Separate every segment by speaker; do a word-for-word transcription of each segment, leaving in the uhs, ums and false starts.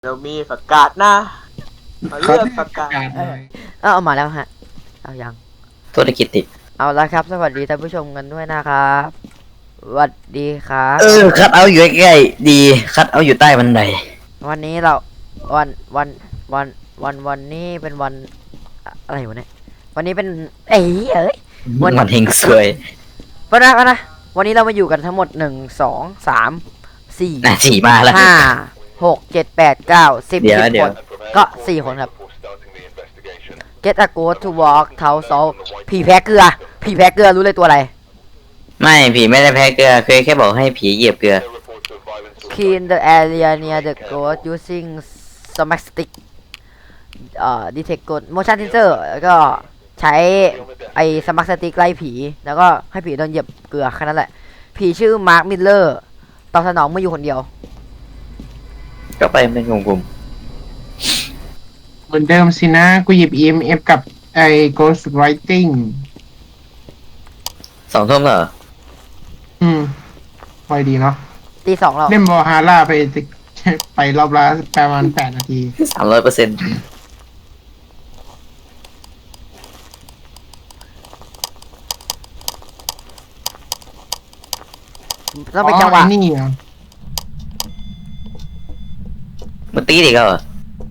Speaker 1: เรามีผักกาดนะมาเลือกผักกาด
Speaker 2: เออเอามาแล้วฮะเอายัง
Speaker 3: ธุรกิจติด
Speaker 2: เอาละครับสวัสดีท่านผู้ชมกันด้วยนะครับสวัสดีครับ
Speaker 3: เออคัดเอาอยู่ใกล้ๆดีคัดเอาอยู่ใต้บันได
Speaker 2: วันนี้เราวันวันวันวันวันนี้เป็นวันอะไรวะเนี่ยวันนี้เป็นเอ้ยเอ้ย
Speaker 3: มันมันเฮงสวย
Speaker 2: ปะนะปะนะวันนี้เรามาอยู่กันทั้งหมดหนึ่งสองสามสี่
Speaker 3: น่ะสี่มาแล้ว
Speaker 2: ห้าหกเจ็ดแปดเก้าสิบ
Speaker 3: เดี๋ยว
Speaker 2: สิบ
Speaker 3: เดี๋
Speaker 2: ค
Speaker 3: ยวน
Speaker 2: ก็สี่คนครับ Get a go to walk เท้าโซผีแพ้เกลือผีแพ้เกลือรู้เลยตัวอะไร
Speaker 3: ไม่ผีไม่ได้แพ้เกลือเคยแค่บอกให้ผีเหยียบเกลือ
Speaker 2: Clean the area near the ghost using smack stick เอ่อ detect ghost motion sensor แล้วก็ใช้ไอ้ smack stick ไล่ผี แล้วก็ให้ผีโดนเหยียบเกลือแค่นั้นแหละ ผีชื่อมาร์คมิลเลอร์ตอบสนองเมื่ออยู่คนเดียว
Speaker 3: ก็ไปเป็นกลุ่ม
Speaker 4: เหมือนเดิมสินะ กูหยิบ อี เอ็ม เอฟ กับไอ้ Ghost Writing
Speaker 3: ๆสองทุ่มเหรอ
Speaker 4: อืมไวดีเนาะ
Speaker 2: ตีสองแล้ว
Speaker 4: เล่นบอฮาร่าไป ไปรอบละประมาณแปดนาที
Speaker 3: สามร้อยเปอร์เซ็นต์
Speaker 2: ต้องเป็นจังหวะ
Speaker 4: อ๋อไอ้นี่เหรอ
Speaker 3: มันตีอีกแล้วเหรอ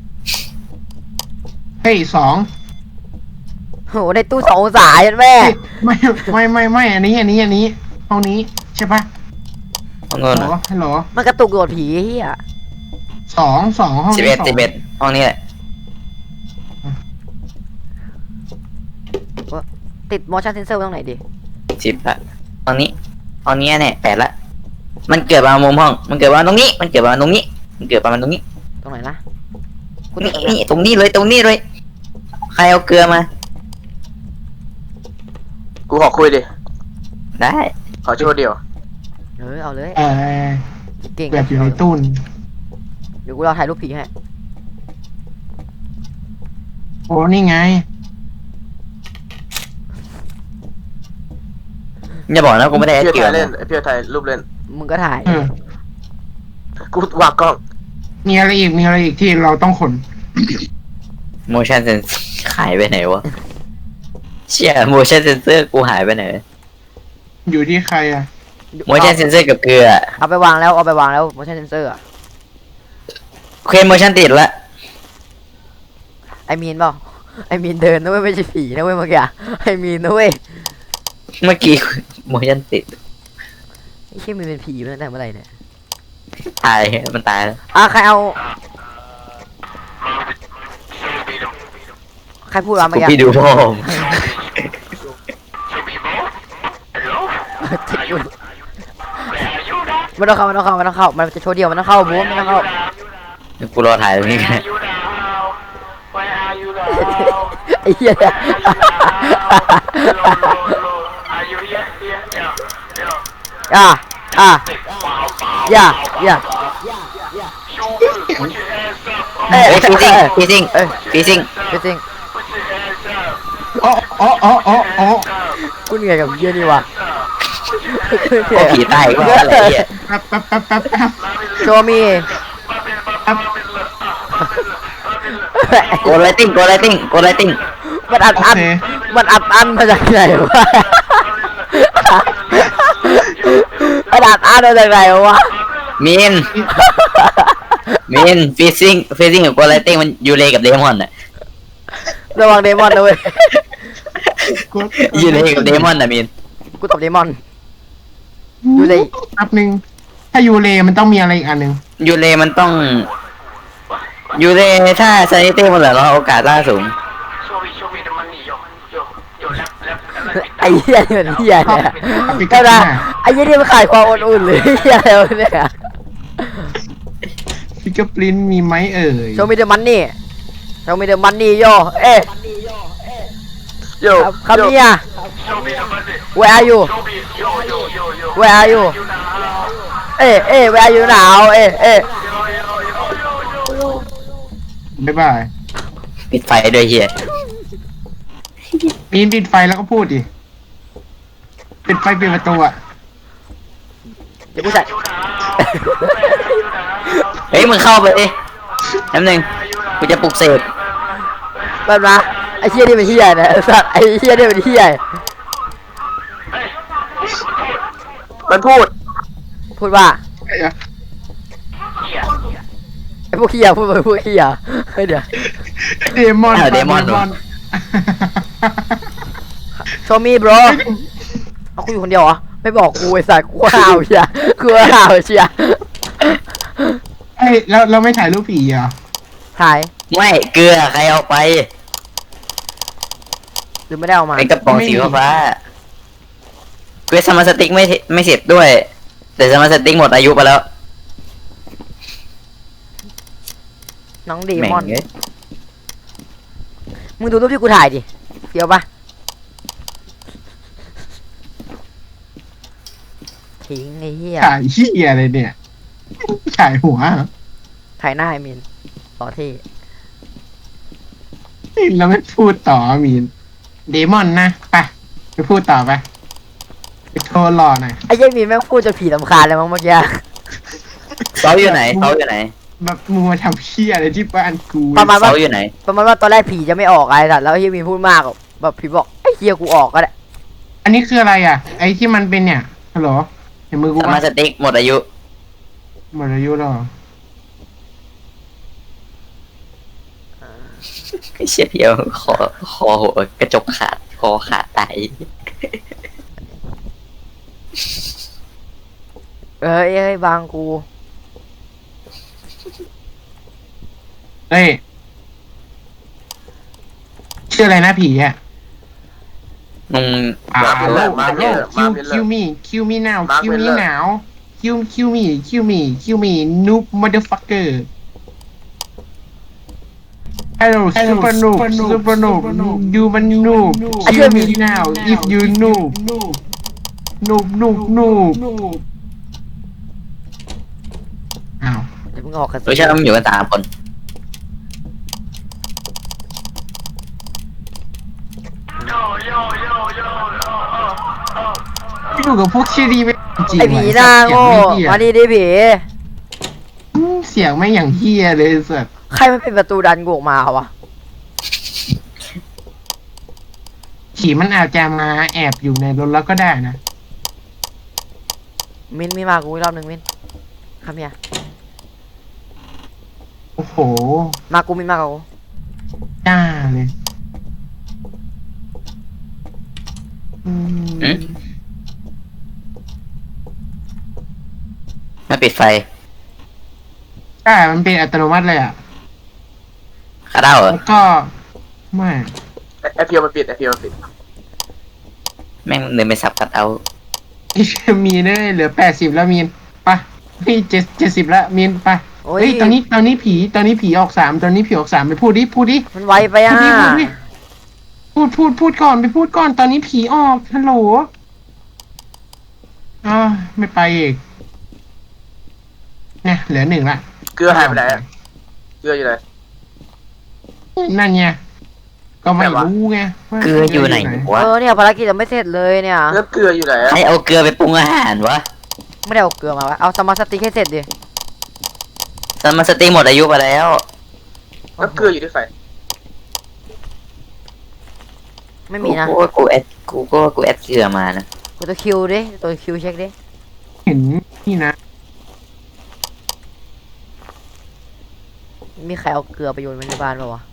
Speaker 4: เฮ้ยสอง
Speaker 2: โหในตู้สององศาเห็นแม่
Speaker 4: เฮ้ยไม่ไม่ไม่ไม่อันนี้ อันนี้ อันนี้ห้องนี้ใช่ปะ
Speaker 3: ห้องโน้น
Speaker 4: ฮัลโหลฮัลโหล
Speaker 2: มันกระตุกโดดผีเฮีย
Speaker 4: สองสองห้อง
Speaker 3: สิบ
Speaker 4: นี้
Speaker 3: เอ็ด
Speaker 4: สอง
Speaker 3: สิบเอ็ดห้องนี้แหละ
Speaker 2: ติด motion sensor ตรงไหนดิ
Speaker 3: สิบละห้องนี้ห้องนี้แน่แปดละมันเกิดมามุมห้อง มันเกิดมาตรงนี้ มันเกิดมาตรงนี้ มันเกิดมาตรงนี้
Speaker 2: ตรงไหนนะกู
Speaker 3: นี่
Speaker 2: ติดตรง
Speaker 3: นี่
Speaker 2: เนี้ย
Speaker 3: ตรงนี้เลยตรงนี้เลย ใครเอาเกลือมา
Speaker 1: กูขอคุยดิ
Speaker 3: ได้
Speaker 1: ขอโชว์เดียว
Speaker 2: เออเอาเลย
Speaker 4: เออ
Speaker 2: เก่ง
Speaker 4: แบบอยู่ในตู้น
Speaker 2: เดี๋ยวกูรอถ่ายรูปผีให้
Speaker 4: โอ้นี่ไง
Speaker 3: อย่าบอกนะกูไม่ได้
Speaker 1: เพี่อ
Speaker 3: เกลื
Speaker 1: ไท
Speaker 3: อย
Speaker 1: เล่นไอพี่อไทยรูปเล่น
Speaker 2: มึงก็ถ่าย
Speaker 4: เออ
Speaker 1: กูวางกล้อง
Speaker 4: มีอะไรอีก มีอะไรอีกที่เราต้องขน
Speaker 3: motion sensor หายไปไหนวะ เชี่ย motion sensor กูหายไปไหน
Speaker 4: อยู่ที่ใครอะ
Speaker 3: motion sensor กับเกลือ
Speaker 2: เอาไปวางแล้วเอาไปวางแล้ว motion sensor อะ
Speaker 3: เคลม motion ติดละ
Speaker 2: ไอมีนเปล่าไอมีนเดินนะเว้ยไม่ใช่ผีนะเว้ยเมื่อกี้อะไอมีนนะเว้ย
Speaker 3: เมื่อกี้ motion ติด
Speaker 2: ไอ้เชี่ยมีนเป็นผีมาตั้งแต่เมื่อไหร่เนี่ย
Speaker 3: ตาย มันตายแล้ว
Speaker 2: อ่ะใครเอาใครพูดวะเมื่อ
Speaker 3: กู
Speaker 2: กี้
Speaker 3: พี่ดูพ่อม
Speaker 2: ติดอยู่ไม่ต้องเข้าไม่ต้องเข้าไม่ต้องเข้ามันจะโชว์เดียวมันต้องเข้าบูมไม่ต้องเข้า
Speaker 3: กูรอถ่ายตรงนี้กัน
Speaker 2: ไอ้เหี้ยอ่ะอ่ะอย่าอย่า
Speaker 3: เฮ้ยฟีซิงฟีซิงฟีซิง
Speaker 2: ไม่จริง
Speaker 4: โอ้โอ้โอ้โอ้โอ้
Speaker 2: กูเหนื่อยกับเหี้ยนี่วะ
Speaker 3: โอ้ผีตายก็อะไรเงี้ย
Speaker 4: แป๊บแป๊บแป๊บแป๊บแป๊บ
Speaker 2: โชว์มี
Speaker 4: แป๊บ
Speaker 3: โกไลติ้งโกไลติ้งโกไลติ้ง
Speaker 2: มันอัดอันมันอัดอันมาจากไหนวะมันอัดอันมาจากไหนวะ
Speaker 3: มีนมีนฟีซิงฟีซิงกับโกไลติ้งมันยูเลกับเดมอนน่ะ
Speaker 2: ระวังเดมอนนะเว้ย
Speaker 4: กู
Speaker 3: ยูเลกับเดมอนน่ะมีน
Speaker 2: กูตบเดมอน ยูเล
Speaker 4: แป๊บนึง ถ้ายูเลมันต้องมีอะไรอีกอันหนึ่ง
Speaker 3: ยูเลมันต้องยูเลถ้าซานิตี้มันเหลือเราโอกาสล่าสูง
Speaker 2: ไอ้เหี้ยนี่มันเหี้ยเนี่ย
Speaker 4: ปิ
Speaker 2: ก็
Speaker 4: กา
Speaker 2: ได้
Speaker 4: น่า
Speaker 2: ไอ้เหี้ยนี่มันขายความอุ่นๆหรือเหี้ยอะไรวะเนี่ย
Speaker 4: ฟิกเกอร์ปรินมีไหมเอ่ย
Speaker 2: โชว์มีเดอะมันนี่โชว์มีเดอะมันนี่โยเอ๊ะ
Speaker 1: โย
Speaker 2: คำนี้อ่ะ Where are you Where are you เอ๊ะเอ๊ะ Where are you now เอ๊ะเอ๊ะ
Speaker 4: บ๊ายบาย
Speaker 3: ปิดไฟด้วยเฮีย
Speaker 4: ปีนปิดไฟแล้วก็พูดดิ ปิดไฟปิดประตูอะ
Speaker 2: เดี๋ยวกูใส่
Speaker 3: เฮ้ยมึงเข้าไปดิแป๊บนึงกูจะปลุกเสก
Speaker 2: แบบนะไอ้เฮียนี่เป็นเฮียนะไอ้สัตว์ไอ้เฮียนี่เป็นเฮีย
Speaker 1: มันพูด
Speaker 2: พูดว่า
Speaker 4: ไอ้อะ
Speaker 2: ไอ้พวกเฮียพูดไปพวกเฮียเฮ้ยเดี๋ยว
Speaker 4: เดมอน
Speaker 3: เออเดมอนเหรอ
Speaker 2: โชว์มีบรเอากูอยู่คนเดียวเหรอไม่บอกกูไอ้สัตว์กูห่าวเชียกูห่าวเชีย
Speaker 4: เอ้ยแล้วเราไม่ถ่ายรูปผีเหรอ
Speaker 2: ถ่าย
Speaker 3: ไม่เกลือใครเอาไป
Speaker 2: หรือไม่ได้เอามา
Speaker 3: เป็นกระป๋องสีฟ้าเกรซสมาร์ทสติ๊กไม่ไม่เสร็จด้วย แต่สมาร์ทสติ๊กหมดอายุไปแล้ว
Speaker 2: น้องเด
Speaker 3: แม่ง
Speaker 2: มอน
Speaker 3: เอ้ย
Speaker 2: มึงดูรูปที่กูถ่ายดิเฟี้ยวปะทิ้งไอ้เหี้ย
Speaker 4: ถ่ายเหี้ยอะไรเนี่ยถ่ายหัวเหรอ
Speaker 2: ถ่ายหน้าไอ้มินต่อที่
Speaker 4: เราไม่พูดต่อมีนเดมอนนะไปไปพูดต่อไปไปโทรรอหน่อย
Speaker 2: ไอ้เหี้ยมินแม่งพูดจนผีลำคาญเลยมั้งเมื่อกี้
Speaker 3: เสาอยู่ไหนเสาอยู่ไหน
Speaker 4: แบบมึงมาทำเหี้ยอะไรที่บ้านกู
Speaker 2: ประมาณว่า
Speaker 3: เสาอยู่ไหน
Speaker 2: ประมาณว่าตอนแรกผีจะไม่ออกไอ้สัตว์แล้วไอ้เหี้ยมินพูดมากแบบผีบอกไอ้เหี้ยกูออกก็ได้
Speaker 4: อันนี้คืออะไรอ่ะ ไอ้ที่มันเป็นเนี่ยฮัลโหลเห็นมือกู
Speaker 3: สมา
Speaker 4: ปะ
Speaker 3: ร์ทสติ๊กหมดอายุ
Speaker 4: หมดอายุแล้วเหรอ
Speaker 3: เชี่ยเพียวคอคอหัวกระจกขาดคอขาดตาย
Speaker 2: เอ้ยเอ้ยบางกู
Speaker 4: เอ้ยชื่ออะไรนะผีอ่ะ
Speaker 3: มึง
Speaker 4: อ่า
Speaker 1: มา
Speaker 4: โล
Speaker 1: เลย
Speaker 4: มา
Speaker 1: มา
Speaker 4: โล
Speaker 1: เลย
Speaker 4: คิว
Speaker 1: มาเลย
Speaker 4: คิวมีคิวมีนาว
Speaker 1: มา
Speaker 4: คิวมี
Speaker 1: เลย
Speaker 4: นาวคิวคิวมีคิวมีคิวมีนูบมอเตอร์ฟักเกอร์ Hello super noob super noob you มัน noob kill me now if you noob noob noob noob อ้าว
Speaker 2: เดี๋ยวมึงออกกัน
Speaker 3: รู้ใช่ไหมมันอยู่กันสามคน
Speaker 4: อยู่กับพวกชีดีไม่จริง
Speaker 2: ไอ้ผีหน้าโง่มาดิดิผี
Speaker 4: เสียงไม่อย่างเฮียเลยสัส
Speaker 2: ใครมันเป็นประตูดันกูออกมาวะ
Speaker 4: ผีมันอาจจะมาแอบอยู่ในรถแล้วก็ได้นะ
Speaker 2: มินมีมากูอีกรอบหนึ่งมินคำเนี้ย
Speaker 4: โอ้โห
Speaker 2: มากูมินมากู
Speaker 4: จ้าเลยอืม
Speaker 3: อืมมาปิดไฟ
Speaker 4: ใช่มันเป็นอัตโนมัติเลยอ่ะ
Speaker 3: คาดาวเหรอ
Speaker 4: แล้วก็ไม่
Speaker 1: ไอพีมันปิดไอพีมันปิด
Speaker 3: แม่งเดินไปสับคัดเอา
Speaker 4: ไอ้มีนเนี่ยเหลือแปดสิบแล้วมีนไปพี่เจ็ดเจ็ดสิบแล้วมีนไป
Speaker 2: โอ้ย
Speaker 4: เฮ้ยตอนนี้ตอนนี้ผีตอนนี้ผีออกสามตอนนี้ผีออกสามไปพูดดิพูดดิ
Speaker 2: มันไวไป
Speaker 4: พู
Speaker 2: อ่ะ
Speaker 4: ดดิพูดดิพูดพูดพูดก่อนไปพูดก่อนตอนนี้ผีออกฮัลโหลอ่าวไม่ไปอีกเนี่ยเหลือหนึ่งละ
Speaker 1: เกลือหายไปไหนอะเกลืออยู่ไหน
Speaker 4: นั่นไงก็ไม่รู้ไงว่า
Speaker 3: เกลืออยู่ไหนวะ
Speaker 2: เออเนี่ยภารกิจยังไม่เสร็จเลยเนี่ย
Speaker 1: เลือเกลืออยู่ไหนอะ
Speaker 3: ใครเอาเกลือไปปรุงอาหารวะ
Speaker 2: ไม่ได้เอาเกลือมาวะเอาสมาร์ทสติ๊กให้เสร็จดิ
Speaker 3: สมาร์ทสติ๊กหมดอายุไปแล้ว
Speaker 1: แล้วเกลืออยู่ที่ไฟ
Speaker 2: ไม่มีนะ
Speaker 3: กูก็กูแอดกูก็กูแอดเกลือมานะ
Speaker 2: กูตัวคิวดิตัวคิวเช็คดิ
Speaker 4: เห็นนี่นะ
Speaker 2: มีใครเอาเกลือไปโยนไว้ในบ้านป่าวะ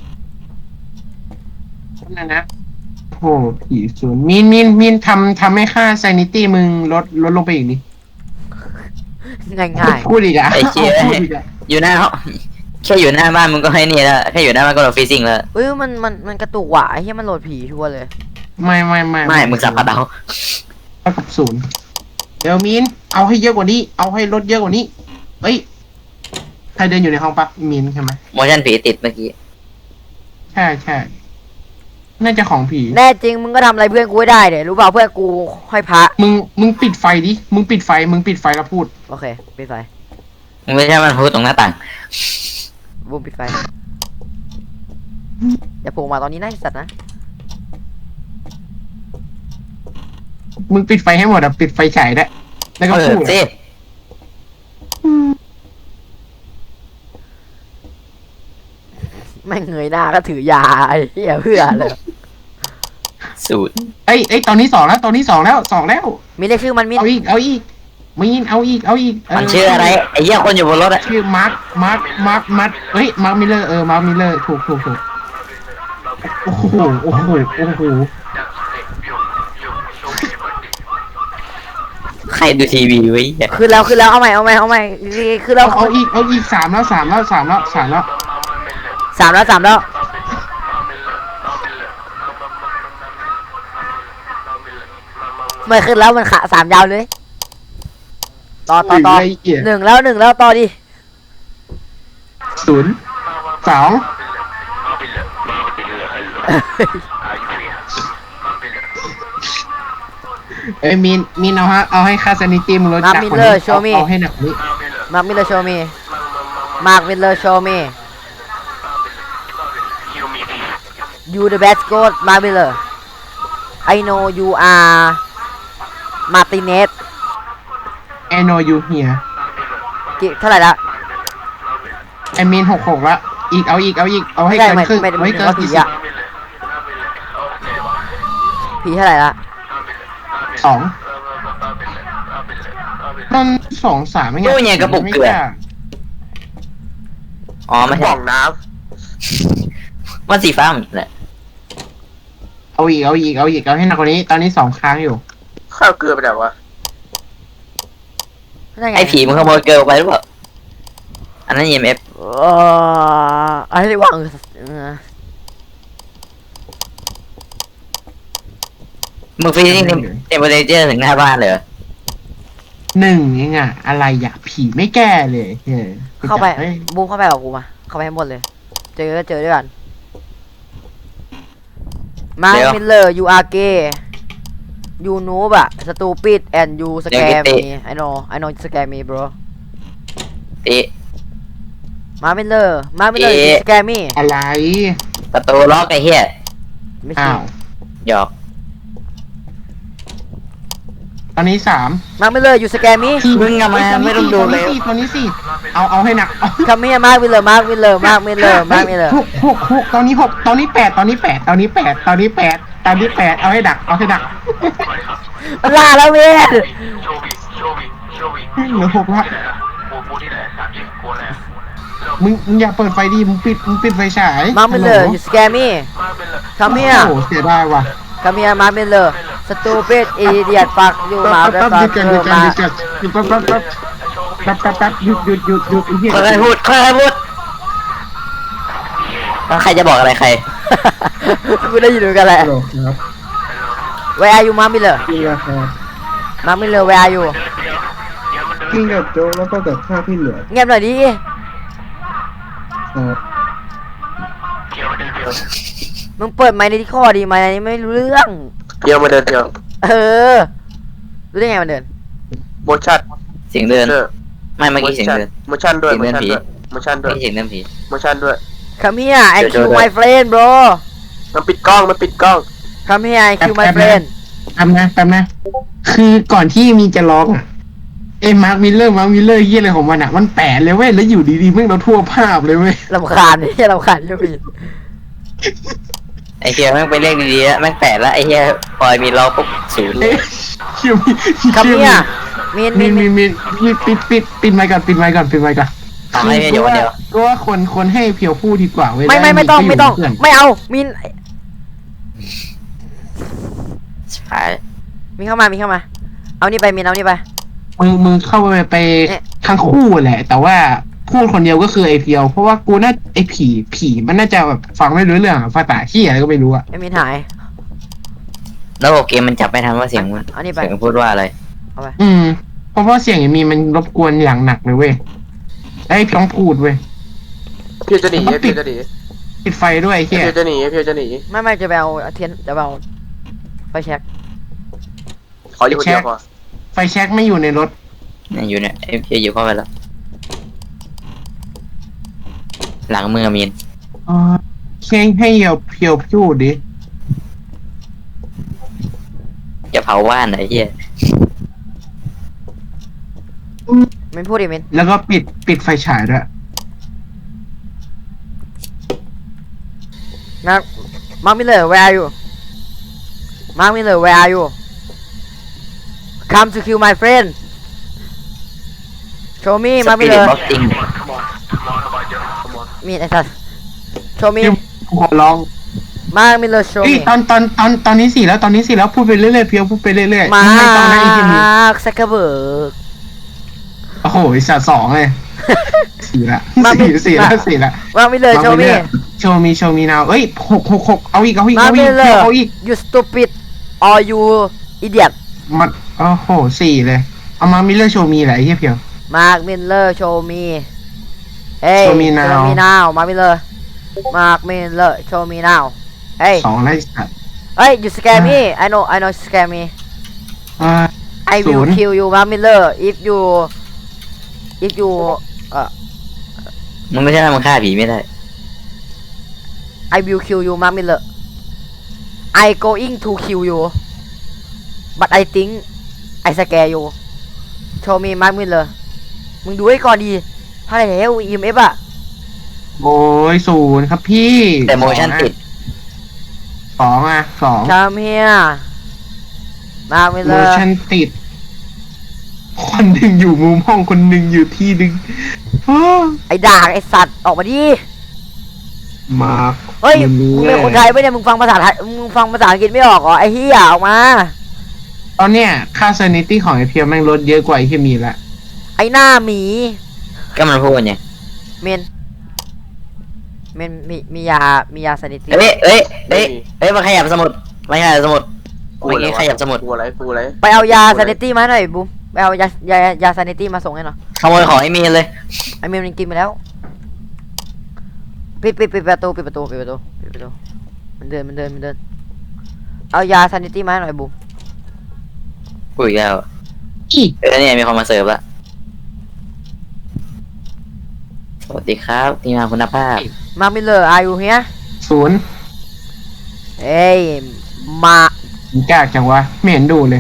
Speaker 4: นั่นนะโอ้ผีศูนย์มินมินมินทำทำให้ค่า sanity มึงลดลดลงไปอีกนิ
Speaker 2: ง่ายง่าย
Speaker 4: พูดอีกอ่ะ
Speaker 3: ไอ้เชี่ย
Speaker 4: พูดอีกอ่ะ
Speaker 3: อยู่หน้าห้องแค่อยู่หน้าบ้านมึงก็ให้นี่แล้วแค่อยู่หน้าบ้านก็โดนฟรีซิ่งแล้ว
Speaker 2: เฮ้ยมันมันมันกระตุกว่ะไอ้เหี้ยมันโหลดผีชัวร์เลย
Speaker 4: ไม่ไม่ไม่
Speaker 3: ไม่มึงสับคัดเอา
Speaker 4: เท่ากับศูนย์เดี๋ยวมินเอาให้เยอะกว่านี้ เอาให้ลดเยอะกว่านี้เอ้ยใครเดินอยู่ในห้องปะมินใช่ไหม
Speaker 3: โมชั่นผีติดเมื่อกี้
Speaker 4: ใช่ใช่น่าจะของผี
Speaker 2: แน่จริงมึงก็ทำอะไรเพื่อนกูไม่ได้เดี๋ยรู้เปล่าเพื่อนกูห้อยพระ
Speaker 4: มึงมึงปิดไฟดิมึงปิดไฟมึงปิดไฟแล้วพูด
Speaker 2: โอเคปิดไฟ
Speaker 3: มึงไม่ใช่มันพูดตรงหน้าต่าง
Speaker 2: บูมปิดไฟอย่าโผล่มาตอนนี้นะไอ้สัตว์นะ
Speaker 4: มึงปิดไฟให้หมดอ่ะปิดไฟฉายได้แล้วก็
Speaker 3: เอ
Speaker 4: พู
Speaker 3: อ
Speaker 4: ด
Speaker 3: สิ
Speaker 2: แม่งเงยหน้าก็ถือยาไอ้เหี้ยเพื่อเลย
Speaker 3: สูตร
Speaker 4: เอ้ยเอ้ยตอนนี้สองแล้วตอนนี้สองแล้วสองแล้ว
Speaker 2: มีเรียกชื่อมันมิน
Speaker 4: เอาอีกเอาอีกมีนเอาอีกเอาอีกเ
Speaker 3: มันชื่ออะไรไอ้เหี้ยคนอยู่บนรถอะ
Speaker 4: ชื่อมาร์คมาร์คมาร์คมาร์คเฮ้ยมาร์คมิลเลอร์เออมาร์คมิลเลอร์ถูกถูกถูกโอ้โหโอ้โหโอ้โห
Speaker 3: ใครดูทีวีไว้เหี้ย
Speaker 2: ขึ้นแล้วขึ้นแล้วเอาใหม่เอาใหม่เอาใหม่ขึ้นแล้ว
Speaker 4: เอาเอาอีกเอาอีกสามแล้วสามแล้วสามแล้วสามแล้ว
Speaker 2: สามแล้วสามแล้วไม่ขึ้นแล้วมันขาสามยาวเลยต่อต่อต่อ
Speaker 4: ไอ้เหี้ย
Speaker 2: หนึ่งแล้วหนึ่งแล้วต่อดิ
Speaker 4: ศูนย์สองเอ้ยมีนมีนเอาฮะเอาให้คาสนิตี้มึงลด
Speaker 2: มา
Speaker 4: จาก
Speaker 2: มิล
Speaker 4: คน
Speaker 2: เลอ
Speaker 4: นี้
Speaker 2: ร์โชว์มี
Speaker 4: เอาให้หนักนี้
Speaker 2: มาร์คมิลเลอร์โชว์มีมาร์คมิลเลอร์โชว์มี you the best goat มาร์คมิลเลอร์ I know you are Martinez
Speaker 4: ไอโนยูเฮีย
Speaker 2: กี่เท่าไหร่ละ
Speaker 4: ไอมีนหกหกละอีกเอาอีกเอาอีกเอาให้
Speaker 2: ไม่
Speaker 4: เกิน
Speaker 2: ไม่
Speaker 4: ครึ่ง
Speaker 2: ไม่
Speaker 4: เอาให้เกิน
Speaker 2: ไม่
Speaker 4: กี่
Speaker 2: ผี
Speaker 4: สิบ
Speaker 2: อะ ผีเท่าไหร่ละ
Speaker 4: สองมันสองสามไม่ไง
Speaker 3: ตู้เนี่ยกระปุกเกลืออ๋อไม่
Speaker 1: ก
Speaker 3: ใช่
Speaker 1: ล่องน้
Speaker 3: มันสีฟ้าเหมือนกันแหละ
Speaker 4: เอาอีกเอาอีกเอาอีกเอาให้หนักกว่านี้ตอนนี้สองครั้งอยู่
Speaker 1: ำข้าวเกลือไปไหนวะ
Speaker 2: นั่นง
Speaker 3: ไอ้ผีมึงขโมยเกลือไปหรือเปล่าอันนั้น อี เอ็ม เอฟ
Speaker 2: เอออะไรวางเออ
Speaker 3: มึงฟีนี่เทมเปอเรเจอร์ถึงหน้าบ้านเลยเหรอ
Speaker 4: หนึ่งเองอะอะไรอะผีไม่แก้เลยเฮ้ย
Speaker 2: เข้าไป
Speaker 4: ฮ้ย
Speaker 2: บูมเข้าไปกับกูมาเข้าไปให้หมดเลย เจอก็เจอด้วยกันมาร์คมิลเลอร์ you are gay you noob อะ stupid and you scare me I know I know you scare me bro
Speaker 3: ตี
Speaker 2: มาร์คมิลเลอร์มาร์คมิลเลอร์ you
Speaker 3: เอ๊ะ
Speaker 2: scare me
Speaker 4: อะไร
Speaker 3: ประตูล็อกไอ้เหี้ย
Speaker 2: ไม่ใช่
Speaker 4: อ้าว
Speaker 3: หยอก
Speaker 4: ตอนนี้สาม
Speaker 2: มาร์คมิลเลอร์ you scare me
Speaker 3: มึงอะมาไม่ต้องดูเลย
Speaker 4: ตัวนี้สี่เอาเอาให้หนัก
Speaker 2: come here มาร์คมิลเลอร์มาร์คมิลเลอร์มาร์คมิลเลอร์มาร์คมิลเลอร์
Speaker 4: หกหกหกตอนนี้หกตอนนี้แปดตอนนี้แปดตอนนี้แปดตอนนี้แปดตอนนี้แปดเอาให้ดักเอาให้ดัก
Speaker 2: มันล่าแล้วเว้ย
Speaker 4: เหลือหกละมึงมึงอย่าเปิดไฟดิมึงปิดมึงปิดไฟฉาย
Speaker 2: มาร์คมิลเลอร์ you scare me come
Speaker 4: โอ้
Speaker 2: here
Speaker 4: โหเสียดายว่ะ
Speaker 2: come here มาร์คมิลเลอร์ stupid idiot fuck you มา
Speaker 4: แป๊บ
Speaker 2: ร์ค
Speaker 4: แป๊บ
Speaker 2: มิ
Speaker 4: ห
Speaker 2: ล
Speaker 4: ยุด
Speaker 2: เล
Speaker 4: กัน
Speaker 2: อ
Speaker 4: หยุด
Speaker 2: ร์
Speaker 4: กัน
Speaker 2: มา
Speaker 4: หยุดกันแป๊บแป๊บแป๊บแป๊บแป๊บแป๊บหยุดหยุดหยุดหยุดไอ้เหี้ย
Speaker 3: ค่อยๆพูดค่อยๆพูดแล้วใครจะบอกอะไรใคร
Speaker 2: กูได้ยินเหมือนกันแหละ
Speaker 4: ฮัลโหลครับ
Speaker 2: Where are you มาร์คมิลเลอร์
Speaker 4: พี่ครับ
Speaker 2: มาร์คมิลเลอร์ Where are you
Speaker 4: กินกับโจ๊กแล้วก็กับข้าวที่เหลือ
Speaker 2: เงียบหน่อยดิ
Speaker 4: ครับ
Speaker 2: มึงเปิดไมค์ในที่ข้อดีไหมอันนี้ไม่รู้เรื่อง
Speaker 1: เพียวมาเดินเพียว
Speaker 2: เออ รู้ได้ไงมันเดิน
Speaker 1: โมชั่น
Speaker 3: เสียงเดิน
Speaker 1: เออ
Speaker 3: ไม่เมื่อกี้เสียงเดิน
Speaker 1: โมชั่นด้วย
Speaker 3: เสี
Speaker 1: โม
Speaker 3: ยงเดิน
Speaker 1: ชั่น
Speaker 3: ผี
Speaker 1: ด้วยโมชั่นด้วย
Speaker 3: ไม่ใช่เสียงเดินผี
Speaker 1: โมชั่นด้วย
Speaker 2: Come here I
Speaker 3: เดี๋ยว
Speaker 2: kill
Speaker 3: เดี๋ยว
Speaker 2: my friend bro
Speaker 1: มันปิดกล้องมันปิดกล้อง
Speaker 2: Come here I kill my
Speaker 4: แป๊บ
Speaker 2: friend
Speaker 4: แป๊บนะแป๊บนะคือก่อนที่มีจะร้องอ่ะเอ้มาร์คมิลเลอร์มาร์คมิลเลอร์เยี่ยอะไรของมันอ่ะมันแปะเลยเว้ยแล้วอยู่ดีๆมึงเราทั่วภาพเลยเว้ย
Speaker 2: ลำคาญนี่ลำคาญใช่ไหม
Speaker 3: ไอ้เฮียแม่งไปเรียกดีๆแล้วแม่งแปดแล้วไอ้เฮียพอยมีล็อกปุ๊บศูนย์เล
Speaker 4: เอ๊ะ
Speaker 3: ย
Speaker 4: คิวมี
Speaker 2: Come
Speaker 4: คิว
Speaker 2: here มีน
Speaker 4: มี
Speaker 2: มีน
Speaker 4: มี
Speaker 2: มีน
Speaker 4: มีมีปิดปิดปิดไมค์ก่อนปิดไมค์ก่อนปิดไมค์ก่อน
Speaker 3: ทำให้เมียอยู่คนเดียว
Speaker 4: ก็ว่าคนคนให้เพียวพูดดีกว่าเว้ย
Speaker 2: ไม่ไม่ไม่ต้องไม่ต้อง
Speaker 4: เพื่น
Speaker 2: ไม่เอามีน
Speaker 3: ชิบหาย
Speaker 2: มีเข้ามามีเข้ามา เอานี่ไปมีนเอานี่ไป
Speaker 4: มึงมึงเข้าไปไป
Speaker 2: เอ๊ะ
Speaker 4: ทั้งคู่แหละ แต่ว่าพูดคนเดียวก็คือไอเพียว เพราะว่ากูน่าไอผีผีมันน่าจะแบบฟังไม่รู้เรื่องอะภาษาขี้อะไรก็ไม่รู้อะ
Speaker 2: ไอ้มีนหาย
Speaker 3: แล้วบอกเกมมันจับไม่ทันว่าเสียงมัน
Speaker 2: เอานี่ไป
Speaker 3: เสียงพูดว่าอะไร
Speaker 2: เอาไป
Speaker 4: อืมเพราะว่าเสียงไอมีมันรบกวนอย่างหนักเลยเว้ยไอเพียงพูดเว้ย
Speaker 1: เพียวจะหนีเพียวจะหนี
Speaker 4: ปิดไฟด้วยไอ้
Speaker 1: เพี
Speaker 4: เฮีย
Speaker 1: ยวจะหนีเพียวจะหนี
Speaker 2: ไม่ไม่จะไปเอาเทียนจะไปเอาไฟแช็ก
Speaker 1: ขออยู่คนเดียวพอ
Speaker 4: ไฟแช็กไม่อยู่ในรถ
Speaker 3: เนี่ยอยู่เนี่ยไอ้เพียอยู่เข้าไปแล้ว หลังมือมีน
Speaker 4: อ๋อเข่งให้เพียวเพียวพูดดิ
Speaker 3: จะเผาบ้านไหนเฮีย
Speaker 2: มินพูดดิมิน
Speaker 4: แล้วก็ปิดปิดไฟฉายด้วย
Speaker 2: นะมาร์คมิลเลอร์ where are you มาร์คมิลเลอร์ where are you come to kill my friend show me มาร์คมิลเลอร์
Speaker 3: บ็อกซิ่ง
Speaker 2: มีไอ้สัส show me
Speaker 4: กูขอร้อง
Speaker 2: มาร์คมิลเลอร์ show
Speaker 4: เฮ้ย
Speaker 2: me
Speaker 4: ตอนตอนตอนตอนนี้สี่แล้วตอนนี้สี่แล้วพูดไปเรื่อยๆเพียวพูดไปเรื่อยๆ
Speaker 2: มา
Speaker 4: ไม่ต้องให้อีกทีนี้
Speaker 2: ร์คซักเกอร์เบิร์ก
Speaker 4: โอ้โหไอ้สัตว์สองเลยสี่ละ
Speaker 2: มาไม่
Speaker 4: สี่สี่แล้วสี่ละ
Speaker 2: มาร์คมิลเลอร์ show me
Speaker 4: โชว์มีโชว์มีนาวเอ้ยหกหกหกเอาอีกเอาอีก
Speaker 2: มาร์
Speaker 4: เอา
Speaker 2: ค
Speaker 4: อี
Speaker 2: มิ
Speaker 4: ก
Speaker 2: ลเลอร์
Speaker 4: เอาอีก
Speaker 2: you stupid or you idiot
Speaker 4: มันโอ้โหสี่เลยเอามามิเลอร์โชว์มีอะไรเฮียเพียว
Speaker 2: มาร์คมิลเลอร์ show me เฮ้ย
Speaker 4: Show me now
Speaker 2: show me now มาร์คมิลเลอร์มาร์คมิลเลอร์ show me now เฮ้ย
Speaker 4: สองแล้วไอ้สัตว์
Speaker 2: เฮ้ย you scare me I know I know you scare me
Speaker 4: อ่า
Speaker 2: I
Speaker 4: ศู
Speaker 2: will
Speaker 4: นย์
Speaker 2: kill you มาร์คมิลเลอร์ if you if you เอ่อ
Speaker 3: มึงไม่ใช่ว่ามึงฆ่าผีไม่ได้
Speaker 2: I will kill you มาร์คมิลเลอร์ I going to kill you but I think I scare you show me มาร์คมิลเลอร์มึงดูให้ก่อนดีพาไหนแล้ว อี เอ็ม เอฟ อ่ะ
Speaker 4: โอ้ยศูนย์ครับพี่
Speaker 3: แต่โมชั่นติด
Speaker 4: สองอ่ะสอง
Speaker 2: come here มาร์คมิลเล
Speaker 4: โม
Speaker 2: อร์
Speaker 4: ชั่นติด คนหนึ่งอยู่มุมห้องคนหนึ่งอยู่ที่หนึ่งอ้อ
Speaker 2: ไอ้ด่างไอ้สัตว์ออกมาดิ
Speaker 4: มาร์ค
Speaker 2: เฮ้ย
Speaker 4: มึ
Speaker 2: มึง
Speaker 4: ง
Speaker 2: เป็นคนไทยปะเนี่ยมึงฟังภาษาไทยมึงฟังภาษาอังกฤษไม่ออกเหรอไอ้เหี้ยออกมา
Speaker 4: ตอนเนี้ยค่าเซนิตี้ของไอเพียวแม่งลดเยอะกว่าไอเพียมีละ
Speaker 2: ไอ้หน้าหมี
Speaker 3: ก็มันพูดไง
Speaker 2: เมนเมนมีมียามียาสนิติ
Speaker 3: เอ้ยเอ้ยเอ้ยเอ้ยมาขยับสมุดมาขยับสมุด
Speaker 1: กู
Speaker 3: เมื่อ
Speaker 1: อะไร
Speaker 3: กี้
Speaker 1: วะ
Speaker 3: ขยับสมุด
Speaker 1: กูอะไรกูอะไร
Speaker 2: ไปเอายาสนิติมาหน่อยบูมไปเอายายายาสนิติมาส่งให้หน่อย
Speaker 3: ขโมยของไอ้มีนเลย
Speaker 2: ไอ้เมนมันกินไปแล้วปิดปิดปิดประตูปิดประตูปิดประตูปิดประตูมันเดินมันเดินมันเดินเอายาสนิติมาให้หน่อยบูม
Speaker 3: กูอีกแล้ว
Speaker 4: อี
Speaker 3: เออเนี่ยมีคนมาเสิร์ฟละสวัสดีครับทีมงานคุณภาพ
Speaker 2: มามิเลอร์อายุเฮีย
Speaker 4: ศูนย์
Speaker 2: เอ้ยมา
Speaker 4: มึงกล้าจังวะไม่เห็นดูเลย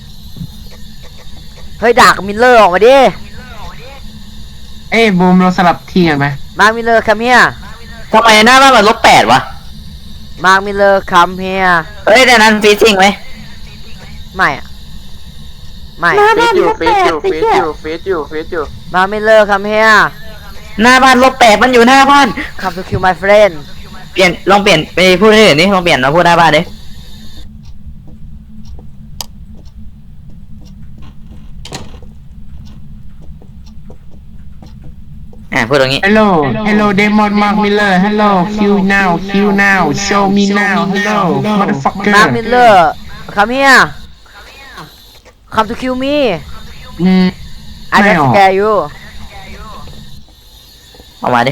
Speaker 2: เฮ้ยด่ากับมิลเลอร์ออกมาดิ
Speaker 4: เอ้ยบูมเราสลับทีกันไหม
Speaker 2: มามิลเลอร์คัมเฮีย
Speaker 3: ทำไมหน้าบ้านมันลบแปดวะ
Speaker 2: มามิลเลอร์คัมเฮีย
Speaker 3: เฮ้ยแต่นั้นฟีซิ่งไหม
Speaker 2: ไม่อะไม่
Speaker 1: ฟีดอยู่ฟีดอยู่ฟีดอยู่ฟีดอยู่ฟีดอยู่
Speaker 2: มามิลเลอร์คัมเฮีย
Speaker 3: หน้าบ้านลบแปดมันอยู่หน้าบ้าน
Speaker 2: come to kill my friend
Speaker 3: เปลี่ยนลองเปลี่ยนไปพูดให้อื่นนี่ลองเปลี่ยนมาพูดหน้าบ้านดิอ่าพูดตรงนี้
Speaker 4: Hello Hello Demon Mark Miller Hello Kill now Kill now Show me now Hello motherfucker
Speaker 2: มามิลเลอร์ come here come to kill me
Speaker 4: อืม
Speaker 2: I
Speaker 4: ไม่
Speaker 2: just
Speaker 4: ออก
Speaker 2: scare you
Speaker 3: เอามาดิ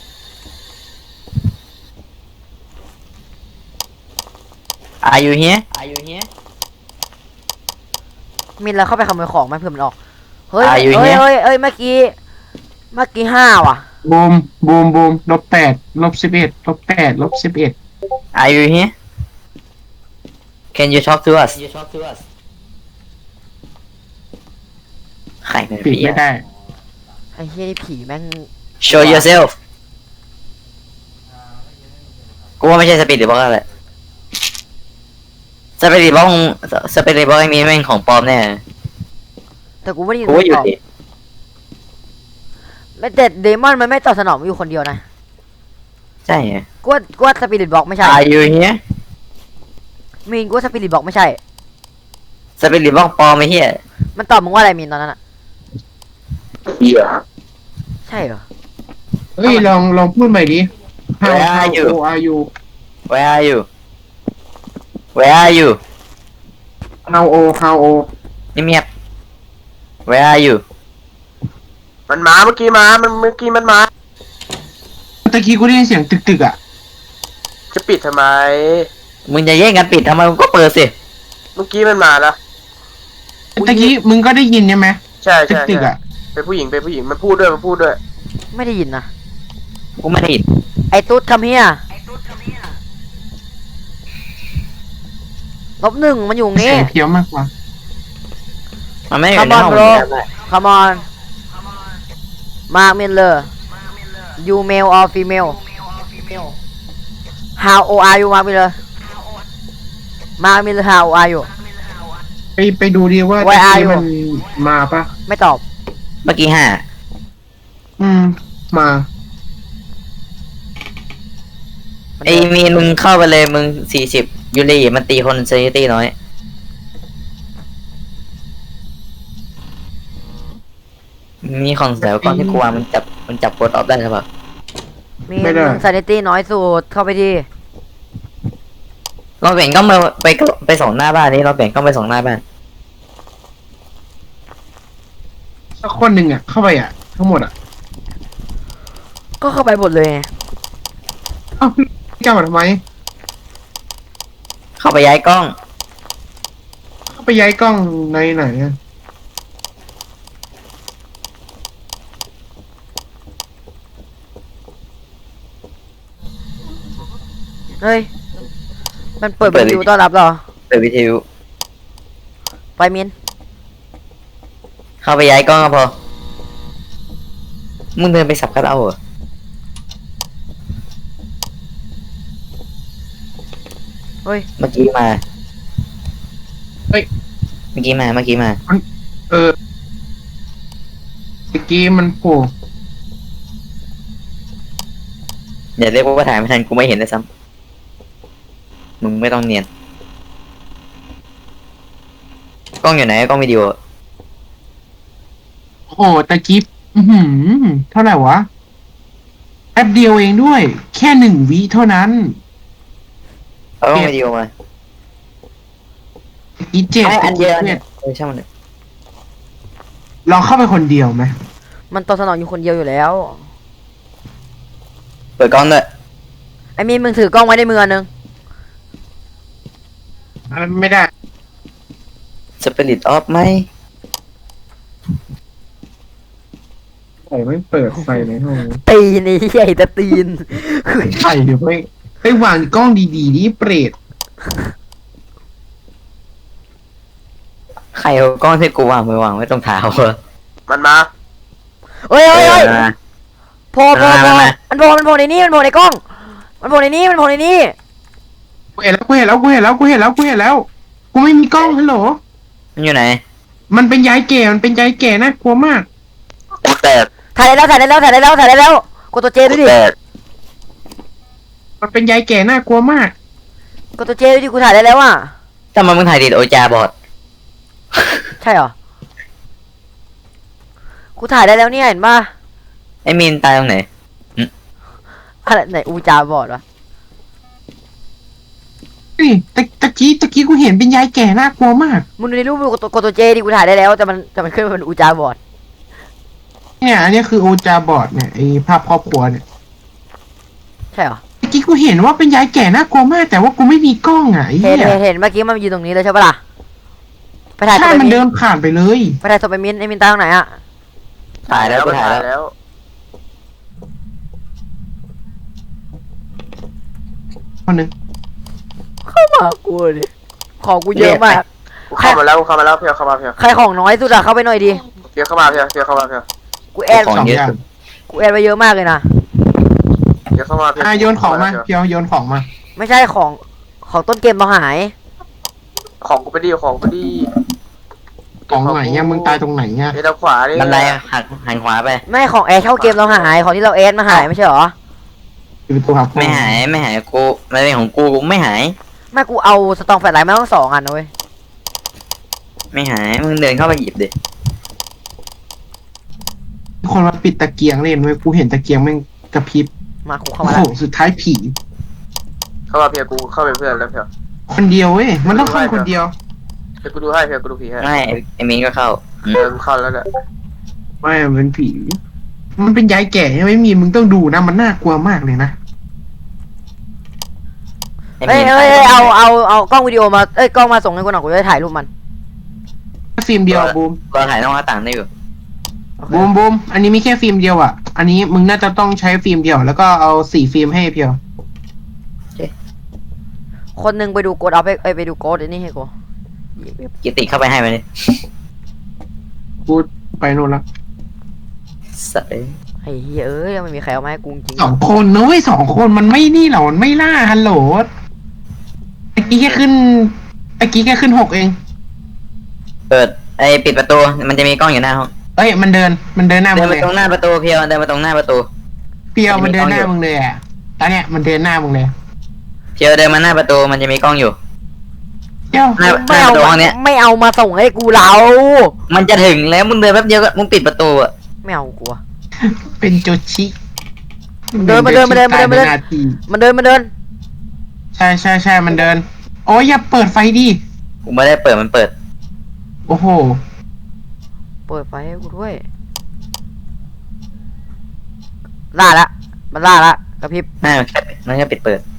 Speaker 3: Are you here Are you here
Speaker 2: มิลเลอร์เข้าไปขโมยของไหมเพื่อมันออกเฮ้ย
Speaker 3: Are you
Speaker 2: เฮ้ย
Speaker 3: here?
Speaker 2: เฮ้ยเฮ้ยเมื่อกี้เมื่อกี้ห้าว่ะ
Speaker 4: บูมบูมบูมลบแปดลบสิบเอ็ดลบแปดลบสิบเอ็ด
Speaker 3: Are you here Can you talk to us you talk to us ใครเป็น
Speaker 4: ปิด
Speaker 3: ผี
Speaker 4: ไม่
Speaker 3: อะ
Speaker 4: ได้
Speaker 2: ไอ้เหี้ยนี่ผีแม่ง
Speaker 3: Show yourself กูว่าไม่ใช่สปิริตบล็อกแล้วแหละสปิริตบล็อกสปิริตบล็อกไอ้มีแม่งของปลอมแน่
Speaker 2: แต่กูไม่ได้ยิน
Speaker 3: กูว่าอยู่
Speaker 2: ตอบ
Speaker 3: ดิ
Speaker 2: ไม่แต่เดมอนมันไม่ตอบสนองอยู่คนเดียวนะ
Speaker 3: ใช่ไง
Speaker 2: กูว่ากูว่าสปิริตบอกไม่ใช่
Speaker 3: Are you here
Speaker 2: มีนกูว่าสปิริตบอกไม่ใช่
Speaker 3: สปิริตบล็อกปลอมไอ้เหี้ย
Speaker 2: มันตอบมึงว่าอะไรมีนตอนนั้นอะ
Speaker 1: เหี้ย
Speaker 2: ใช่เหรอ
Speaker 4: เฮ้ยลองลองพูดใหม่ดิ How
Speaker 3: Where
Speaker 4: how
Speaker 3: are you?
Speaker 4: old are you
Speaker 3: Where are you Where are you
Speaker 4: How old How old
Speaker 3: เงียบๆ Where are you
Speaker 1: มันมาเมื่อกี้มามันเมื่อกี้มันมา
Speaker 4: ตะกี้กูได้ยินเสียงตึกตึกๆอ่ะ
Speaker 1: จะปิดทำไม
Speaker 3: มึงจะแย่งกันปิดทำไมมึงก็เปิดสิ
Speaker 1: เมื่อกี้มันมาแล้ว
Speaker 4: ตะกี้มึงก็ได้ยินใช่ไหม
Speaker 1: ใช่
Speaker 4: ตึก
Speaker 1: ใช่
Speaker 4: ตึกๆ
Speaker 1: ใช่
Speaker 4: อ่ะ
Speaker 1: เป็นผู้หญิงเป็นผู้หญิงมันพูดด้วยมันพูดด้วย
Speaker 2: ไม่ได้ยินนะ
Speaker 3: กูไม่ได้ยิน
Speaker 2: ไอ้ตุ๊ดคำเฮียลบหนึ่งมันอยู่ตรง
Speaker 4: เสี
Speaker 2: นี้
Speaker 4: ยงเพี้ยวมากกว่า
Speaker 3: มันไม่ได้อยู่ใน
Speaker 2: Come on
Speaker 3: ห้อง
Speaker 2: bro
Speaker 3: มึงได้
Speaker 2: come on มาร์คมิลเลอร์ you male or female how old are you มามีเลยมามีเลย how old are you
Speaker 4: ไปไปดูดีว่า
Speaker 2: Why
Speaker 4: ตะ
Speaker 2: are
Speaker 4: กี้
Speaker 2: you?
Speaker 4: มันมาปะ
Speaker 2: ไม่ตอบ
Speaker 3: เมื่อกี้ห้า
Speaker 4: อืม มา
Speaker 2: มัน
Speaker 3: ไอ้
Speaker 2: เดิน
Speaker 3: มีนมึงเข้าไปเลยมึงสี่สิบยูรีมันตีคนเซนิตี้น้อยมีของเสียก้อนที่กลัวมันจับมันจับโคดออฟได้ใช่ปะ
Speaker 2: มี
Speaker 4: ไม่ได้
Speaker 2: มึง sanity น้อยสุดเข้าไปดี
Speaker 3: เราเปลี่ยนก็มาไปไปส่งหน้าบ้านนี้เราเปลี่ยนก็ไปส่งหน้าบ้าน
Speaker 4: สักคนหนึ่งอ่ะ เข้าไปอ่ะ ทั้งหมดอ่ะ
Speaker 2: ก็เข้าไปหมดเลยไง
Speaker 4: เอ้าพี่เจ้ามาทำไม
Speaker 3: เข้าไปย้ายกล้อง
Speaker 4: เข้าไปย้ายกล้องในไหนอ่ะ
Speaker 2: เฮ้ยมันเปิด
Speaker 3: เปิ
Speaker 2: วิ
Speaker 3: ด
Speaker 2: ดีโอ
Speaker 3: วิ
Speaker 2: ต้อนรับเหรอ
Speaker 3: เปิดวิทยุ
Speaker 2: ไปมิน
Speaker 3: เข้าไปย้ายกล้องก็พอมึงเดินไปสับคัทเอาท์เหรอ
Speaker 2: เฮ้ย
Speaker 3: เมื่อกี้มา
Speaker 4: เฮ้ย
Speaker 3: เมื่อกี้มาเมื่อกี้มา
Speaker 4: เออตะกี้มันโผล่
Speaker 3: อย่าเรียกว่าถ่ายไม่ทันกูไม่เห็นเลยซ้ำมึงไม่ต้องเนียนกล้องอยู่ไหนกล้องวิดีโอ
Speaker 4: โอ้โหตะกี้อือหือ เท่าไหร่วะ แป๊บเดียวเองด้วย แค่หนึ่งวิเท่านั้น
Speaker 3: เอากล้องวิดีโอมา
Speaker 4: ตะกี้เจ็ด
Speaker 3: เอาอันเดียว
Speaker 4: ตะกี้
Speaker 3: เนี่
Speaker 4: เจ็
Speaker 3: ย
Speaker 4: ด
Speaker 3: เออช่างมันเถอะ
Speaker 4: ลองเข้าไปคนเดียวไหม
Speaker 2: มันตอบสนองอยู่คนเดียวอยู่แล้ว
Speaker 3: เปิดกล้องด้วย
Speaker 2: ไอ้มินมึงถือกล้องไว้ในมืออันนึง
Speaker 4: อันนั้นไม่ได้
Speaker 3: สปิริตออฟไหม
Speaker 4: โอ้ไม่เปิดไฟในห้อง
Speaker 2: ตีนไอ้ใหญ่แต่ตีน
Speaker 4: ใช่เดี๋ยวไม่ไปวางกล้องดีๆนี่เปรต
Speaker 3: ใครเอากล้องที่กูวางไปวางไว้ตรงเท้าเหรอ
Speaker 1: มันมา
Speaker 2: เฮ้ยเฮ้ยเฮ้ย
Speaker 3: เออ
Speaker 2: โผล่โผล่โผล่
Speaker 3: มามา
Speaker 2: มันโผล่มันโผล่ในนี้มันโผล่ในกล้อง มันโผล่ในนี้มันโผล่ในนี้
Speaker 4: กูเห็นแล้วกูเห็นแล้วกูเห็นแล้วกูเห็นแล้วกูเห็นแล้ว กูไม่มีกล้องฮัลโหล
Speaker 3: มันอยู่ไหน
Speaker 4: มันเป็นยายแก่ มันเป็นยายแก่น่ากลัวมาก
Speaker 3: กูแตก
Speaker 2: ถ่ายได้แล้วถ่ายได้แล้วถ่ายได้แล้วถ่ายได้แล้วกดตัวเจ
Speaker 3: กู
Speaker 2: ด้วยดิ
Speaker 3: แตก
Speaker 4: มันเป็นยายแก่น่ากลัวมาก
Speaker 2: กดตัวเจด้วยดิกูถ่ายได้แล้วอ่ะ
Speaker 3: ทำไมมึงถ่ายติดโอจาบอด
Speaker 2: ใช่เหรอ กูถ่ายได้แล้วเนี่ยเห็นป่ะ
Speaker 3: ไอ้มีนตายตรงไหน
Speaker 2: อะไรไหนอูจาบอดวะ
Speaker 4: นี่ตะตะกี้ตะกี้กูเห็นเป็นยายแก่น่ากลัวมาก
Speaker 2: มึงดูในรูปมึงกดตัวกดตัวเจดิกูถ่ายได้แล้วแต่มันแต่มันขึ้นมาเป็นอูจาบอด
Speaker 4: เนี่ย อันนี้คือโอจาบอร์ดเนี่ยไอภาพครอบครัวเนี่ย
Speaker 2: ใช่เหรอ
Speaker 4: ตะกี้กูเห็นว่าเป็นยายแก่น่ากลัวมาก แต่ว่ากูไม่มีกล้องอ่ะไอ้
Speaker 2: เห็
Speaker 4: เหี้
Speaker 2: น
Speaker 4: ย
Speaker 2: เห็นเห็นเมื่อกี้มันยืนตรงนี้เลยใช่ปะล่ะ ไปถ่ายศ
Speaker 4: ใช่
Speaker 2: พไป
Speaker 4: มัน
Speaker 2: มิน
Speaker 4: เดินผ่านไปเลย
Speaker 2: ไปถ่ายศพไปมินไอ้มินตายตรงไหนอ่ะ
Speaker 3: ถ่ายแล้วกูถ่ายแล้ว
Speaker 1: แล้ว
Speaker 4: คนหนึ่ง
Speaker 2: เข้ามากูดิของกูเยอะมาก
Speaker 1: กูเข้ามาแล้วกูเข้ามาแล้วเพียวเข้ามาเพียว
Speaker 2: ใครของน้อยสุดอะเข้าไปหน่อยดิ
Speaker 1: เพียวเข้ามาเพียวเพียวเข้ามาเพียว
Speaker 2: กูแอด
Speaker 3: ของ
Speaker 4: สอง
Speaker 3: เยอะ
Speaker 4: อย่าง
Speaker 3: สุด
Speaker 2: กูแอดไปเยอะมากเลยนะ
Speaker 1: เพียวเข้ามาเพียว
Speaker 4: อ่ะโยนของมาเพียวโยนของมา
Speaker 2: ไม่ใช่ของของต้นเกมเราหาย
Speaker 1: ของกูไปดีของกูไปดี
Speaker 4: ของไหนเนี่ยมึงตายตรงไหนเนี่ย
Speaker 1: เดี๋ยวทางขวานี่
Speaker 3: บันไดอะหักหันขวาไป
Speaker 2: ไม่ของแอดเข้าเกมเราหายของที่เราแอดมาหายไม่ใช่เหรอ
Speaker 4: เป็นตัวครับ
Speaker 3: ไม่หายไม่หายกูมันเป็นของกูกูไม่หาย
Speaker 2: ไม่กูเอาสตองแฟลชไลท์มาต้องสองอันนะเว้ย
Speaker 3: ไม่หาย มึงเดินเข้าไปหยิบดิ
Speaker 4: คนมาปิดตะเกียงเล่นเว้ยกูเห็นตะเกียงแม่งกระพริบ
Speaker 2: มากูเข้า
Speaker 4: โอ้
Speaker 2: มา
Speaker 4: โห
Speaker 2: แล้ว
Speaker 4: สุดท้ายผี
Speaker 1: เข้ามาเพียวกูเข้าไปเพื่อนแล้วเพียว
Speaker 4: คนเดียวเว้ยมันต้องเข้าคนเดียว
Speaker 1: เดี๋ยวกูดูให้เพียวกูดูผีให้
Speaker 3: ไม่ไอ้ไอ้มีนก็เข้าอืม
Speaker 1: เออกูเข้าแล้วเนี่ย
Speaker 4: ไม่มันเป็นผี มันเป็นยายแก่ใช่ไหมมีมึงต้องดูนะมันน่ากลัวมากเลยนะ
Speaker 3: ไอ้
Speaker 2: เฮ้
Speaker 3: มี
Speaker 2: ย
Speaker 3: น
Speaker 2: เฮ้ยเฮ้ยเอาเอาเอากล้องวิดีโอมาเอ้ยกล้องมาส่งให้กูหน่อยกูจะได้ถ่ายรูปมัน
Speaker 4: ฟิล์มเดียวบูม
Speaker 3: ก็ถ่ายนอกหน้าต่างได้อยู่
Speaker 2: โอเค
Speaker 4: บูมบูมอันนี้มีแค่ฟิล์มเดียวอ่ะ อันนี้มึงน่าจะต้องใช้ฟิล์มเดียว แล้วก็เอาสี่ฟิล์มให้เพียว
Speaker 2: คนหนึงไปดูโกดเอาไปเอ้ยไปดูโกดไอ้นี่ให้กู
Speaker 3: กิติเข้าไปให้มันดิ
Speaker 4: กูไปโน่นละ
Speaker 3: สัตว์เลย
Speaker 2: โอเคไอ้เหี้ยเอ้ยไม่มีใครเอามาให้กูจริง
Speaker 4: สองคนนะเว้ยสองคนมันไม่นี่หรอมันไม่ล่าฮัลโหลตะกี้แค่ขึ้นตะกี้แค่ขึ้นหกเอง
Speaker 3: เปิดไอ้ปิดประตูมันจะมีกล้องอยู่หน้าห้อง
Speaker 4: เอ้ยมันเดินมันเดินหน้า
Speaker 3: เดิ
Speaker 4: มึ
Speaker 3: น
Speaker 4: ง
Speaker 3: ไป
Speaker 4: เลย
Speaker 3: ตรงหน้าประตูเพียวเดินไปตรงหน้าประตู
Speaker 4: เปียวมันเดินหน้ามึงเลยอ่ะตอนเนี้ยมันเดินหน้ามึงเลย
Speaker 3: เพียวเดินมาหน้าประตูมันจะมีกล้องอยู่
Speaker 4: เดี๋ยว
Speaker 3: หน้าห
Speaker 2: ไม่
Speaker 3: น้าป
Speaker 2: เอา
Speaker 3: ระตูห้
Speaker 2: มา
Speaker 3: องเนี้ย
Speaker 2: ไม่เอามาส่งให้กูเรา
Speaker 3: มันจะถึงแล้วมึงเดินแป๊บเดียวก็มึงปิดประตูอะ
Speaker 2: ไม่เอากูอะ
Speaker 4: เป็นโจชิ
Speaker 2: เดินมาเดินมาเดินมาเดินมาเดิน
Speaker 4: ตยในาที
Speaker 2: มันเดินมันเดิน
Speaker 4: ใช่ใช่ใช่มันเดิน โอ้ยอย่าเปิดไฟดิ
Speaker 3: กูไม่ได้เปิดมันเปิด
Speaker 4: โอ้โห
Speaker 2: เปิดไฟให้กูด้วยล่าละมันล่าละกระพริบ
Speaker 3: หน้ามันแค่มันแค่ปิดเปิด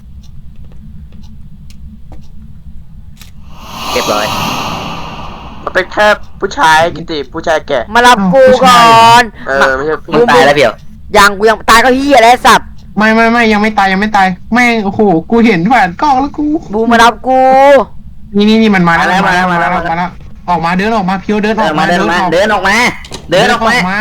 Speaker 3: เรียบร้อย
Speaker 1: มันเป็นแค่ผู้ชายกิติผู้ชายแก่
Speaker 2: มารับกูก่อน
Speaker 1: เออไม่ใช่ผู้
Speaker 3: มึงตายแล้วเพียว
Speaker 2: ยังกูยังตายก็เฮียแล้วไอ้สัตว์
Speaker 4: ไม่ไม่ไม่ยังไม่ตายยังไม่ตายแม่งโอ้โหกูเห็นผ่านกล้องแล้วกู
Speaker 2: บูมารับกู
Speaker 4: นี่นี่นี่มันมาแล้ว
Speaker 3: มาแล้ว
Speaker 4: มาแล้ว
Speaker 3: มา
Speaker 4: มา
Speaker 3: แล้
Speaker 4: แล้ว วมาแล้วออกมาเดินออกมาเพียวเดินอ
Speaker 3: เดิ
Speaker 4: อน ก
Speaker 3: มา
Speaker 4: มา
Speaker 3: เดินออกมาเดินออกมาเดินออกมา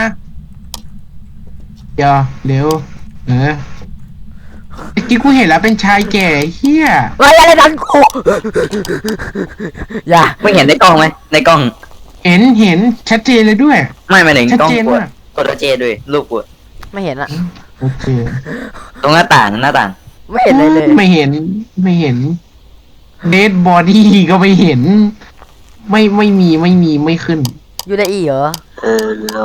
Speaker 4: เดี๋ยวเร็วเออเมื่อกี้กูเห็นแล้วเป็นชายแก่เฮีย
Speaker 2: ไอ้อะไรดันกูอย่า
Speaker 3: มึงเห็นในกล้องไหมในกล้อง
Speaker 4: เห็นเห็นชัดเจนเลยด้วย
Speaker 3: ไม่ไม่ถึง
Speaker 4: ชัด
Speaker 3: กล้อง
Speaker 4: เจน
Speaker 3: กู
Speaker 4: มาก
Speaker 3: อะกดตัวเจด้วยลูกกูอะ
Speaker 2: ไม่เห็นอะ
Speaker 4: โอเค
Speaker 3: ตรงหน้าต่างหน้าต่าง
Speaker 2: ไม่เห็นเลยเลย
Speaker 4: ไม่เห็นไม่เห็นเดดบอดี้ก็ไม่เห็น ไม่ไม่มีไม่มีไม่ขึ้น
Speaker 2: ยูไดอีเหรอ
Speaker 1: เออเรา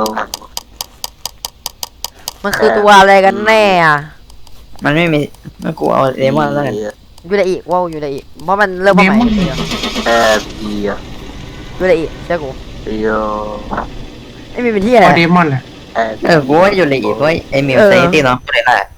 Speaker 2: มันคือตัวอะไรกันแน่อะ
Speaker 3: มันไม่มีไม่กูเอาเดมอนแล้วกัน
Speaker 2: ยูไดอีว้าวยูไดอีเพราะมันเริ่มมาใหม่
Speaker 4: เดมอน
Speaker 2: เดียว
Speaker 1: แอบเบีย
Speaker 2: ยูไดอีเจ้ากู
Speaker 1: โย
Speaker 2: ไม่มีเป็นที่อะไร
Speaker 4: เอาเดมอนแหละ
Speaker 1: แอบ
Speaker 3: เออกูว่าอยู่เลยอีกเพราะไอ้มิว
Speaker 2: เออ
Speaker 3: เซตี้เนาะกูเลยแหละ